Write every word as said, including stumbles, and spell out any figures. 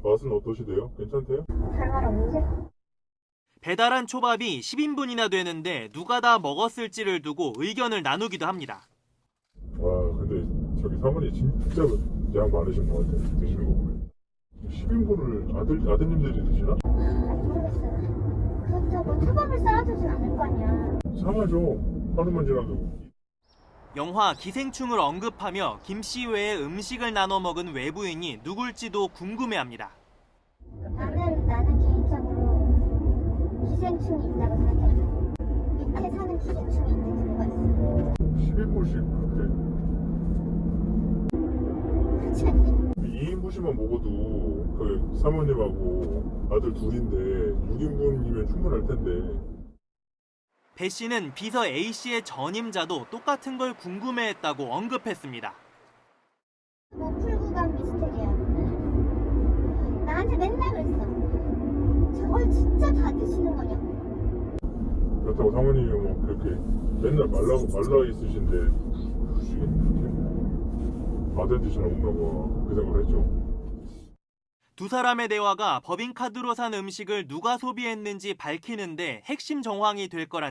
맛은 어떠시대요? 괜찮대요? 별말 없는데? 배달한 초밥이 십 인분이나 되는데 누가 다 먹었을지를 두고 의견을 나누기도 합니다. 와, 근데 저기 사모님 진짜 양 많으신 것 같아요. 드시는 거 보면. 십 인분을 아들, 아드님들이 드시나? 모르겠어요. 그렇다고 초밥을 쌓아주진 않을 거 아니야. 상하죠. 하루만 지나도. 영화 기생충을 언급하며 김 씨 외에 음식을 나눠 먹은 외부인이 누굴지도 궁금해합니다. 나는, 나는 개인적으로 기생충이 있다고 생각해. 밑에 사는 기생충이 있는 경우가 있어. 십 인분씩 그렇게. 그렇지 않니? 이 인분씩만 먹어도 그 사모님하고 아들 둘인데 육 인분이면 충분할 텐데. 배 씨는 비서 A 씨의 전임자도 똑같은 걸 궁금해했다고 언급했습니다. 뭐 풀구간 미스테리야. 나한테 맨날 그랬어. 저걸 진짜 다 드시는 거냐고. 그렇다고 사모님이 뭐 그렇게 맨날 말라, 말라 있으신데 아들 드시나 먹나 봐. 그 생각을 했죠. 두 사람의 대화가 법인카드로 산 음식을 누가 소비했는지 밝히는데 핵심 정황이 될 거란